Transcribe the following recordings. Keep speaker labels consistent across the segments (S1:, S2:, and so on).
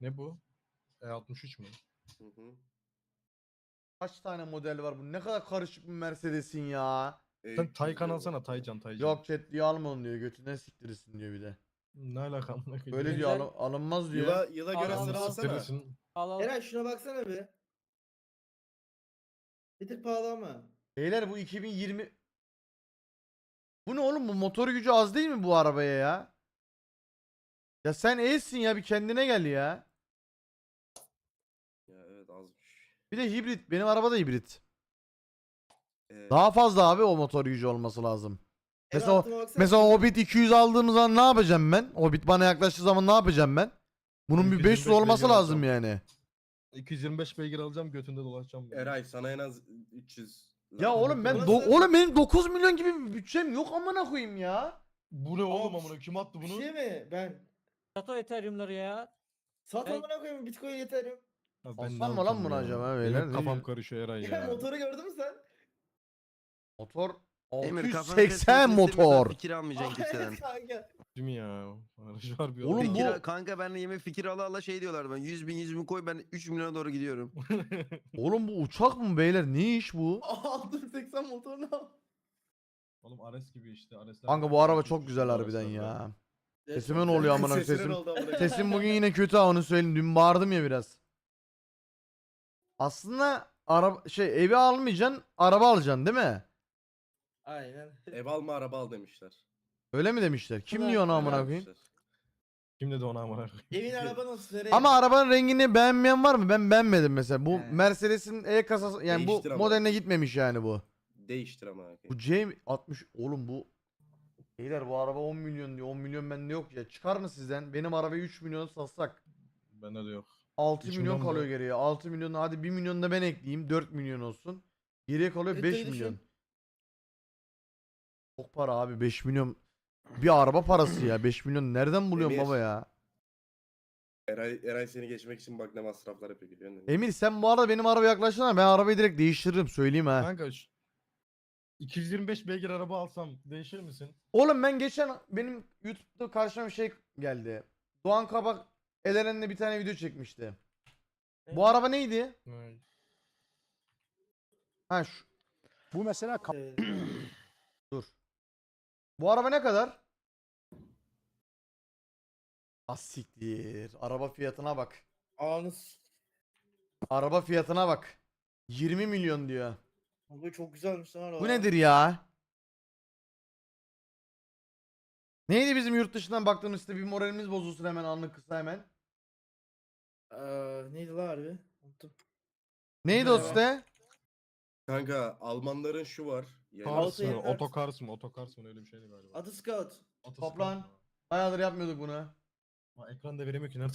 S1: Ne bu? E63 mü?
S2: Hı hı.
S3: Kaç tane model var bu? Ne kadar karışık bir Mercedes'in ya.
S1: Sen Taycan
S2: diyor.
S1: alsana Taycan.
S3: Yok chat diye alma onu diyor. Götünden siktirirsin diyor bir de.
S1: Ne alaka amına koyayım?
S3: Böyle
S1: Ne-
S3: diyor
S4: Güzel.
S3: alınmaz diyor.
S2: Yıla göre
S4: Al,
S2: sıra
S4: al.
S2: alsana.
S1: Siktirirsin.
S4: Al.
S5: Eren şuna baksana bir. Bir tık pahalı ama.
S3: Beyler bu 2020... Bu ne oğlum, bu motor gücü az değil mi bu arabaya ya? Ya sen eğilsin ya, bir kendine gel ya.
S2: Ya evet azmış.
S3: Bir de hibrit, benim araba da hibrit.
S2: Ee,
S3: Daha fazla abi o motor gücü olması lazım.
S5: Eren
S3: Mesela,
S5: altıma baksana.
S3: mesela Hobbit 200 aldığımız zaman ne yapacağım ben? Hobbit bana yaklaştığı zaman ne yapacağım ben? Bunun bir 500
S1: 225
S3: olması
S1: beygir
S3: lazım
S1: alacağım.
S3: yani.
S1: 225 beygir alacağım götünde dolaşacağım. böyle.
S2: Eray sana en az 300.
S3: Ya oğlum ben
S5: Nasıl?
S3: oğlum benim 9 milyon gibi bir bütçem yok amına koyayım ya.
S1: Bu ne oğlum
S5: Abi,
S1: amına kim attı
S5: Bir
S1: bunu?
S5: şey mi? Ben.
S4: Sato Ethereum'ları ya.
S5: Sat
S4: Ben-
S5: amına koyayım Bitcoin yeterim.
S1: Ya
S3: Alsam
S1: ne
S3: mı lan
S1: alacağım
S3: bunu
S1: ya?
S3: acaba
S1: Benim
S3: beyler?
S1: hep
S3: Ne
S1: kafam
S3: diyor?
S1: karışıyor Eray
S5: Ya
S1: ya.
S5: motoru gördün mü sen?
S3: Motor
S6: Emir kafanı
S3: 680 motor.
S6: Fikir almayacaksın kimseden.
S5: Hayır kanka.
S1: Değil mi ya? Aracı var bir
S3: Oğlum
S1: adam.
S3: bu-
S6: Fikir, kanka benle yeme fikir ala ala şey diyorlar ben 100 bin koy ben 3 milyona doğru gidiyorum.
S3: Oğlum bu uçak mı beyler? Ne iş bu?
S5: Aldım 80 motorunu al.
S1: Oğlum Ares gibi işte. Aresler
S3: Kanka bu araba çok güzel harbiden ya. Sesime ne oluyor amına koyayım?
S5: Sesine
S3: Sesim
S5: ne oldu amına koyayım?
S3: sesim bugün yine kötü ha, onu söyleyeyim. Dün bağırdım ya biraz. Aslında araba evi almayacaksın, araba alacaksın değil mi?
S5: Aynen.
S2: Ev alma araba al demişler.
S3: Öyle mi demişler? Kim
S5: Evet,
S3: diyor onu
S5: öyle
S3: amına
S5: abi
S3: koyayım?
S2: Demişler.
S1: Kim dedi ona amına koyayım?
S5: Evin araban olsun Eren.
S3: Ama arabanın rengini beğenmeyen var mı? Ben beğenmedim mesela. Bu
S5: He.
S3: Mercedes'in E kasası yani bu
S2: Değiştir ama.
S3: modeline gitmemiş yani bu.
S2: Değiştir ama.
S3: Bu C60 oğlum bu. Beyler bu araba 10 milyon diyor. 10 milyon bende yok ya. Çıkar mı sizden? Benim arabayı 3 milyon satsak.
S1: Bende de yok.
S3: 6
S1: 3
S3: milyon
S1: milyon
S3: kalıyor
S1: mu?
S3: geriye. 6 milyon, hadi 1 milyon da ben ekleyeyim. 4 milyon olsun. Geriye kalıyor
S5: Evet,
S3: 5
S5: öyle
S3: milyon.
S5: düşün.
S3: Çok para abi, 5 milyon. Bir araba parası ya. 5 milyon nereden buluyorsun
S2: Emir.
S3: baba ya?
S2: Eray seni geçmek için bak ne masraflar yapıyor biliyor musun?
S3: Emir sen bu arada benim araba yaklaştığında ben arabayı direkt değiştiririm söyleyeyim ha.
S1: Kanka 225 beygir araba alsam değişir misin?
S3: Oğlum ben geçen benim YouTube'da karşıma bir şey geldi. Doğan Kabak Elen'le bir tane video çekmişti. Bu araba neydi?
S1: Evet.
S3: Ha şu.
S7: Bu mesela
S3: Dur. Bu araba ne kadar? Asiktir. Araba fiyatına bak.
S5: Anız.
S3: Araba fiyatına bak. 20 milyon diyor.
S5: Bu çok güzelmiş lan araba.
S3: Bu nedir ya? Neydi bizim yurt dışından baktığımız site, bir moralimiz bozulsun hemen, anlık kısa hemen.
S5: Neydi lan harbi? Unuttum.
S3: Neydi o
S5: Merhaba.
S3: site?
S2: Kanka Almanların şu var. Yani
S1: Kars
S5: Altı
S1: mı?
S5: yedi-
S1: Otokars mı? Otokars mı? Öyle bir şeydi galiba.
S5: Adı Scout.
S1: Atascout
S3: Toplan.
S1: mu?
S3: Bayağıdır yapmıyorduk bunu.
S1: Ha, ekranda veremiyor ki nerede?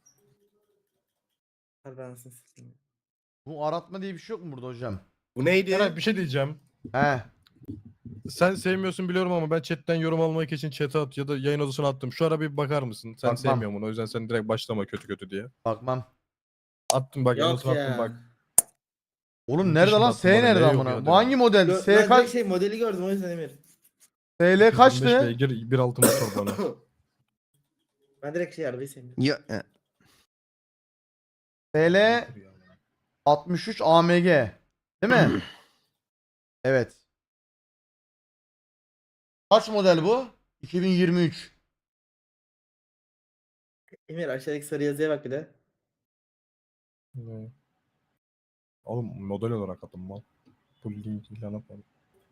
S5: Harbi anasını satayım.
S3: Bu aratma diye bir şey yok mu burada hocam?
S2: bu neydi?
S1: Eray bir şey diyeceğim.
S3: He.
S1: Sen sevmiyorsun biliyorum ama ben chatten yorum almak için chat'e at ya da yayın odasına attım. Şu ara bir bakar mısın? Sen
S3: Bakmam.
S1: sevmiyorsun bunu o yüzden sen direkt başlama kötü diye.
S3: Bakmam.
S1: Attım bak yayın
S5: Yok
S1: odasına attım
S5: ya.
S1: bak.
S3: Oğlum
S1: Yurt
S3: nerede
S1: dışında
S3: lan?
S1: attım
S3: S
S1: bana,
S3: nerede
S1: ne yok
S3: amına?
S1: ya
S3: Bu hangi model?
S5: Ben
S3: S
S5: direkt
S3: kaç?
S5: modeli gördüm o yüzden Emir.
S3: TL
S1: 25
S3: kaçtı?
S1: beygir 1.6 motor bana.
S5: Ben direkt arabayı sevmiyorum.
S6: Ya
S3: TL 63 AMG. Değil mi? Evet. Kaç model bu? 2023.
S5: Emir aşağıdaki sarı yazıya bak bir de.
S1: Ne? Oğlum model olarak attım mal. Bu link ilan yapmadım.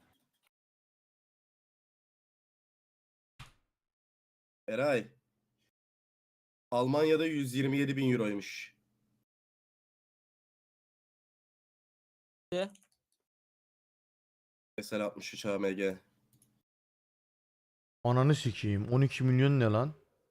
S2: Eray. Almanya'da 127 bin euroymuş.
S4: Ne?
S2: Mesela 63 AMG.
S3: Ananı sikeyim. 12 milyon ne lan?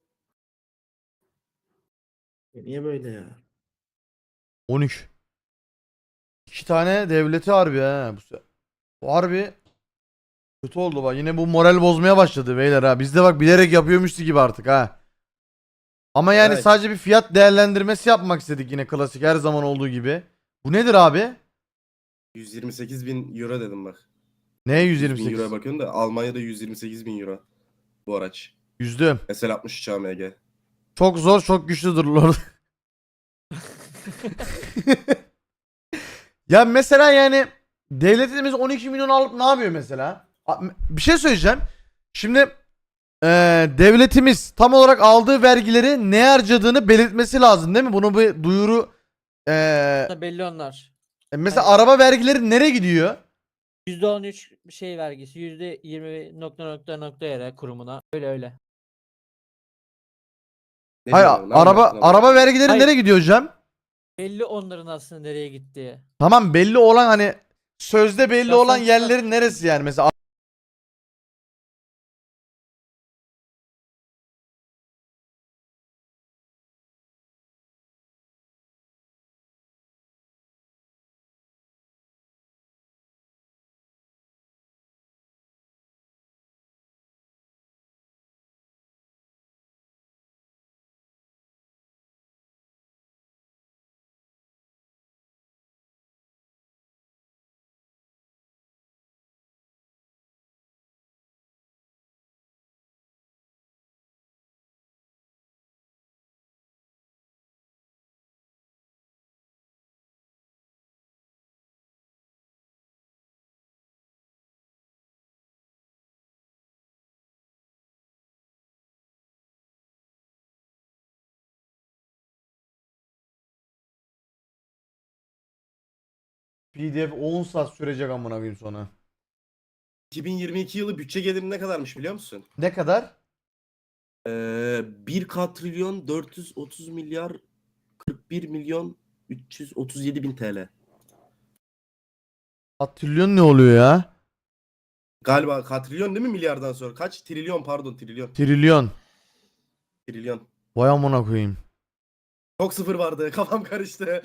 S5: Niye böyle ya?
S3: 13. İki tane devleti harbi ha. Bu harbi kötü oldu bak. Yine bu moral bozmaya başladı beyler ha. Biz de bak bilerek yapıyormuştu gibi artık ha. Ama yani
S2: Evet.
S3: sadece bir fiyat değerlendirmesi yapmak istedik yine, klasik her zaman olduğu gibi. Bu nedir abi?
S2: 128 bin euro dedim bak.
S3: Ne
S2: 100 bin
S3: 128?
S2: euroya bakıyorum da Almanya'da 128 bin euro bu araç.
S3: Yüzdüm.
S2: Mesela 63 AMG.
S3: Çok zor çok güçlüdür Lord. Ya mesela yani devletimiz 12 milyon alıp ne yapıyor mesela? Bir şey söyleyeceğim. Şimdi devletimiz tam olarak aldığı vergileri ne harcadığını belirtmesi lazım değil mi? Bunu bir duyuru
S4: Belli onlar.
S3: mesela
S4: Aynen.
S3: araba vergileri nereye gidiyor?
S4: %13 şey vergisi, %20 nokta yere kurumuna. Öyle.
S2: Ne
S3: Hayır,
S2: diyorsun? Ne
S3: araba
S2: anlattın
S3: araba
S2: ama?
S3: vergileri
S4: Hayır.
S3: nereye gidiyor hocam?
S4: Belli onların aslında nereye gittiği.
S3: Tamam, belli olan hani sözde belli
S4: Ya
S3: olan
S4: sonuçta-
S3: yerlerin neresi yani? Mesela PDF 10 saat sürecek amına koyayım sonra.
S2: 2022 yılı bütçe geliri ne kadarmış biliyor musun?
S3: Ne kadar?
S2: 1 katrilyon 430 milyar 41 milyon 337 bin TL.
S3: Atrilyon ne oluyor ya?
S2: Galiba katrilyon değil mi milyardan sonra? Kaç? Trilyon pardon trilyon.
S3: Trilyon.
S2: Trilyon.
S3: Vay amına koyayım.
S2: Çok sıfır vardı kafam karıştı.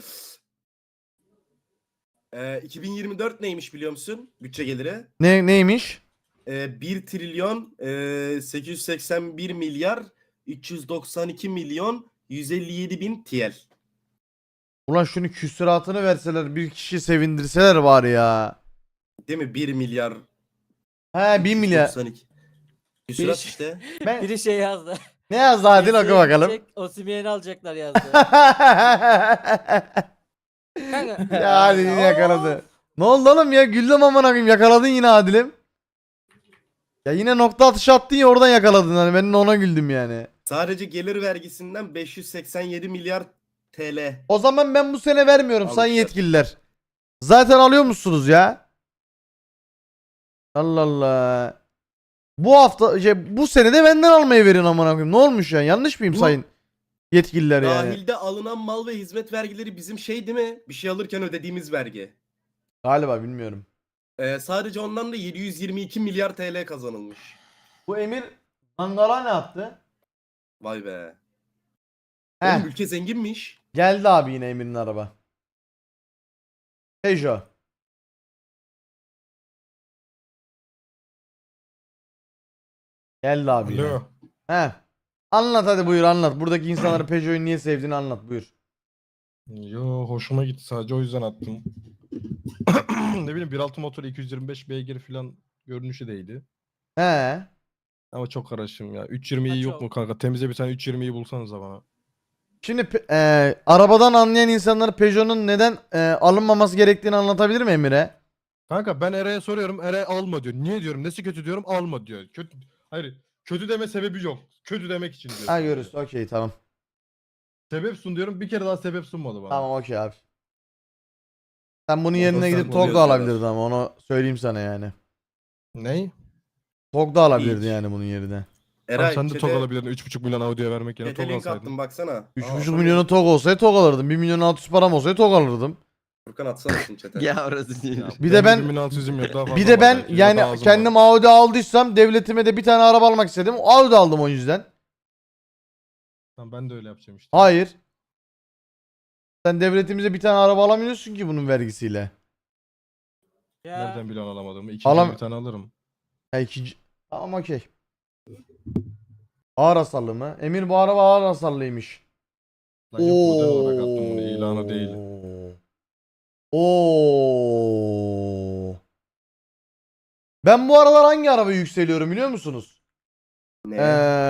S2: 2024 neymiş biliyor musun? Bütçe geliri.
S3: Neymiş?
S2: 1 trilyon 881 milyar 392 milyon 157 bin TL.
S3: Ulan şunu küsuratını verseler, bir kişi sevindirseler var ya.
S2: Değil mi? 1 milyar
S3: He 1 milyar.
S2: 392. Küsurat
S4: Bir-
S2: işte.
S3: Ben...
S4: Biri şey yazdı.
S3: Ne yazdı Adil, oku bakalım.
S4: Osimhen'i alacaklar yazdı. Kanka,
S3: Ya Adil yine yakaladı. Ne oldu oğlum ya, güldüm amına koyayım, yakaladın yine Adil'im. Ya yine nokta atışı attın ya, oradan yakaladın, hani ben de ona güldüm yani.
S2: Sadece gelir vergisinden 587 milyar TL.
S3: O zaman ben bu sene vermiyorum sayın
S2: Almışlar.
S3: yetkililer. Zaten alıyor musunuz ya? Allah Allah. Bu hafta bu sene de benden almayı verin amına koyayım. Ne olmuş ya? Yanlış mıyım
S2: Bu-
S3: sayın yetkililer yani?
S2: Dahilde alınan mal ve hizmet vergileri bizim şey değil mi? Bir şey alırken ödediğimiz vergi.
S3: Galiba, bilmiyorum.
S2: Sadece ondan da 722 milyar TL kazanılmış.
S3: Bu Emir Mangala ne yaptı?
S2: Vay be.
S3: Heh,
S2: Oğlum ülke zenginmiş.
S3: geldi abi yine Emir'in araba. Peugeot. Geldi abi yine.
S1: Alo.
S3: He. Anlat hadi, buyur anlat. Buradaki insanların Peugeot'u niye sevdiğini anlat, buyur.
S1: Yo, hoşuma gitti, sadece o yüzden attım. Ne bileyim, 1.6 motor 225 beygir falan görünüşü değildi.
S3: He.
S1: Ama çok karışım ya. 320'yi
S4: Ha,
S1: yok
S4: çok.
S1: mu kanka? Temize bir tane 320'yi bulsanıza bana.
S3: Şimdi arabadan anlayan insanlara Peugeot'un neden alınmaması gerektiğini anlatabilir mi Emir'e?
S1: Kanka ben Eray'a soruyorum. Eray alma diyor. Niye diyorum? Nesi kötü diyorum? Alma diyor. Kötü. Hayır. Kötü deme sebebi yok. Kötü demek için diyor.
S3: Ha,
S1: sadece.
S3: görürüz. Okey, tamam.
S1: Sebep sun diyorum. Bir kere daha sebep sunmadı bana.
S3: Tamam, okey abi. Sen bunun
S2: Ondan
S3: yerine gidip
S2: sonra
S3: TOG da
S2: oluyor
S3: alabilirdin
S2: diyorlar.
S3: ama onu söyleyeyim sana yani.
S1: Ney?
S3: TOG da alabilirdin
S2: Hiç.
S3: yani bunun yerine.
S1: Tamam,
S2: Eray
S1: sen de TOG
S2: chat'e
S1: alabilirdin. 3.5 milyon Audi'ye vermek yerine TOG
S2: link
S1: alsaydın.
S2: attım baksana.
S3: 3,5 milyonu TOG olsaydı TOG alırdım. 1 milyon 600 param olsaydı TOG alırdım.
S2: Furkan atsana şimdi chat'e.
S6: Ya orası değil.
S1: Ya,
S3: Bir de ben
S1: 1600'üm yok, daha fazla
S3: bir de
S1: var
S3: ben
S1: belki, ya da
S3: yani
S1: azım
S3: kendim
S1: var.
S3: Audi aldıysam devletime de bir tane araba almak istedim. Audi aldım o yüzden.
S1: Tamam, ben de öyle yapacağım işte.
S3: Hayır. Sen devletimize bir tane araba alamıyorsun ki bunun vergisiyle.
S4: Ya.
S1: Nereden biliyorsun alamadığımı? İkinci
S3: Alam-
S1: bir tane alırım.
S3: Ha, ikinci... Tamam, okey. Ağır hasarlı mı? Emir, bu araba ağır hasarlıymış.
S1: Lan yok, model olarak attım bunu, ilanı değil.
S3: Oo. Ben bu aralar hangi araba yükseliyorum biliyor musunuz?
S2: Ne?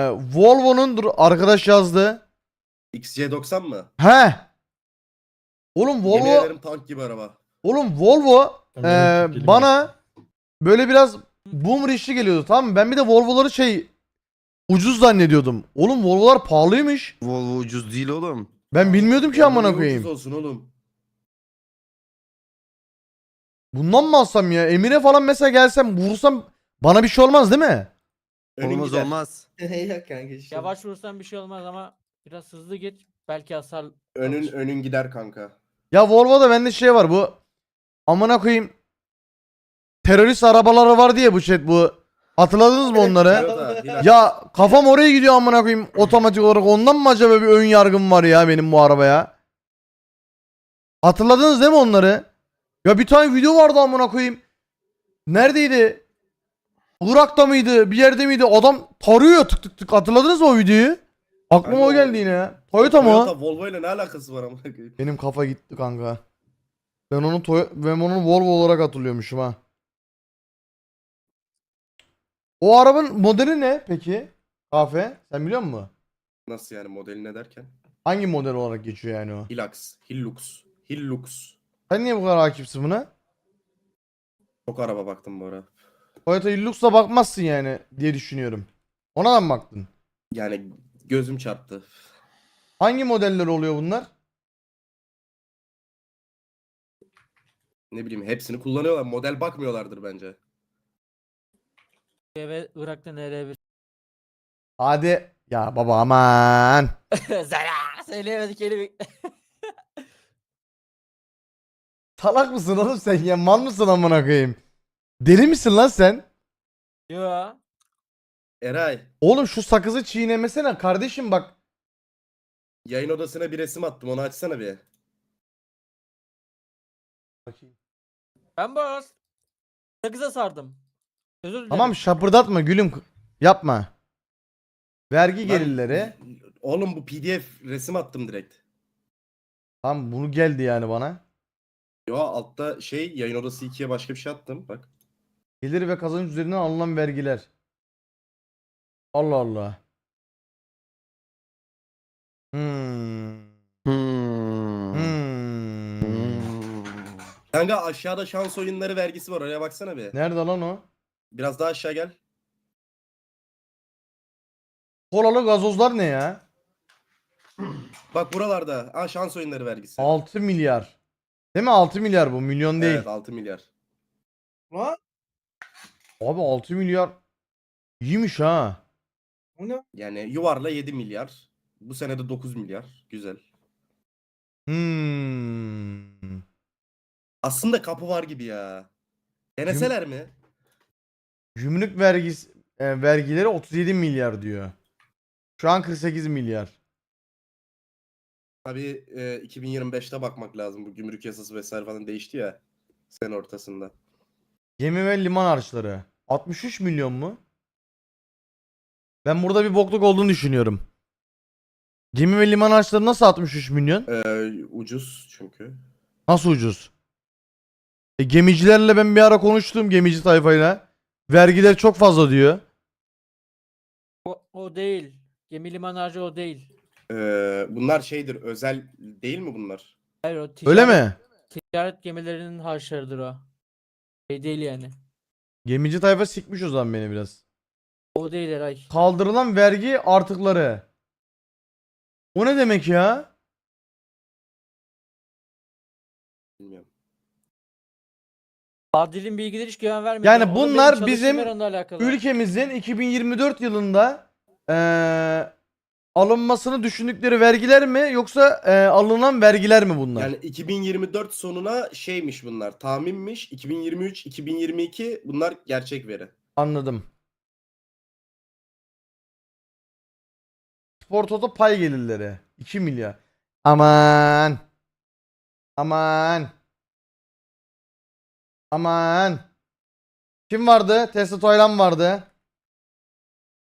S3: Volvo'nun arkadaş yazdı.
S2: XC90 mı?
S3: He. Oğlum
S2: Yemin
S3: Volvo
S2: ederim tank gibi araba.
S1: Ben benim tepkilim
S3: bana böyle biraz boomer işi geliyordu, tamam mı? Ben bir de Volvo'ları ucuz zannediyordum. Oğlum Volvo'lar pahalıymış.
S6: Volvo ucuz değil oğlum.
S3: Ben bilmiyordum ki
S2: Volvo
S3: amına
S2: niye
S3: koyayım.
S2: ucuz olsun oğlum.
S3: Bundan mı alsam ya? Emir'e falan mesela gelsem vursam bana bir şey olmaz değil mi?
S2: Önün
S6: Olmaz
S2: gider.
S6: olmaz.
S5: Yok kanka işte.
S4: Yavaş vursan bir şey olmaz ama biraz hızlı git. Belki hasar
S2: Önün
S4: alır.
S2: önün gider kanka.
S3: Ya Volvo'da bende şey var, bu amına koyayım terörist arabaları var diye bu chat bu. Hatırladınız mı onları?
S2: Toyota, Hilux.
S3: Ya kafam oraya gidiyor amına koyayım otomatik olarak. Ondan mı acaba bir ön yargım var ya benim bu arabaya? Hatırladınız değil mi onları? Ya bir tane video vardı amına koyayım. Neredeydi? Irak'ta mıydı? Bir yerde miydi? Adam tarıyor tık tık tık. Hatırladınız mı o videoyu? Aklıma
S2: Kanka
S3: o geldi yine ya. Toyota mı o?
S2: Toyota Volvo ile ne alakası var amına koyayım?
S3: Benim kafa gitti kanka. Ben onu Volvo olarak hatırlıyormuşum ha. O arabanın modeli ne peki? Kahve. Sen biliyor musun?
S2: Nasıl yani modeli ne derken?
S3: Hangi model olarak geçiyor yani o?
S2: Hilux.
S3: Sen niye bu kadar hakimsin buna?
S2: Çok araba baktım bu ara.
S3: Toyota Hilux'a bakmazsın yani diye düşünüyorum. Ona da mı baktın?
S2: Yani gözüm çarptı.
S3: Hangi modeller oluyor bunlar?
S2: Ne bileyim hepsini kullanıyorlar. Model bakmıyorlardır bence.
S4: Ve Irak'ta nereye bir
S3: Hadi. Ya baba aman.
S4: Zara söyleyemedik kelime.
S3: Salak mısın oğlum sen ya? Mal mısın amına koyayım? Deli misin lan sen?
S4: Yo.
S2: Eray,
S3: Oğlum şu sakızı çiğnemesene kardeşim bak.
S2: yayın odasına bir resim attım. Onu açsana bir.
S4: Ben boz. Sakıza sardım. Özür dilerim.
S3: Tamam şapırdatma gülüm. Yapma. Vergi
S2: Lan,
S3: gelirleri.
S2: Oğlum bu PDF resim attım direkt.
S3: Tamam bunu geldi yani bana.
S2: Yo altta şey yayın odası 2'ye başka bir şey attım. Bak.
S3: Gelir ve kazanç üzerinden alınan vergiler. Allah Allah. Hmm.
S6: Hmm.
S3: Hmm.
S2: Kanka aşağıda şans oyunları vergisi var. Oraya baksana bir.
S3: Nerede lan o?
S2: Biraz daha aşağı gel.
S3: Kolalı gazozlar ne ya?
S2: Bak buralarda. Aa şans oyunları vergisi.
S3: 6 milyar. Değil mi? 6 milyar bu. Milyon değil.
S2: Evet 6 milyar.
S5: Lan
S3: Abi 6 milyar. İyiymiş ha.
S5: o ne?
S2: Yani yuvarla 7 milyar. Bu sene de 9 milyar. Güzel.
S3: Hmm.
S2: Aslında kapı var gibi ya. Deneseler mi?
S3: Gümrük vergileri 37 milyar diyor. Şu an 48 milyar.
S2: Tabii 2025'te bakmak lazım. Bu gümrük yasası vesaire falan değişti ya. Sene ortasında.
S3: Gemi ve liman harçları. 63 milyon mu? Ben burada bir bokluk olduğunu düşünüyorum. Gemi ve liman harçları nasıl 63 milyon?
S2: Ucuz çünkü.
S3: Nasıl ucuz? Gemicilerle ben bir ara konuştum, gemici tayfayla. Vergiler çok fazla diyor.
S4: O değil. Gemi liman harcı o değil.
S2: Bunlar şeydir. Özel değil mi bunlar?
S4: Hayır o
S3: Öyle mi?
S4: ticaret gemilerinin harçlarıdır o. Şey değil yani.
S3: Gemici tayfa sikmiş o zaman beni biraz.
S4: O değil Eray.
S3: Kaldırılan vergi artıkları. O ne demek ya?
S2: Bilmiyorum.
S4: Adil'in bilgileri hiç güven vermiyor.
S3: Yani
S4: Oğlum benim
S3: bunlar
S4: çalıştığım
S3: bizim
S4: yer onunla alakalı.
S3: Ülkemizin 2024 yılında alınmasını düşündükleri vergiler mi yoksa alınan vergiler mi bunlar?
S2: Yani 2024 sonuna şeymiş bunlar. Tahminmiş. 2023, 2022 bunlar gerçek veri.
S3: Anladım. Spor Toto pay gelirleri 2 milyar. Aman. Aman. Aman. Kim vardı? Tesla Toylan vardı.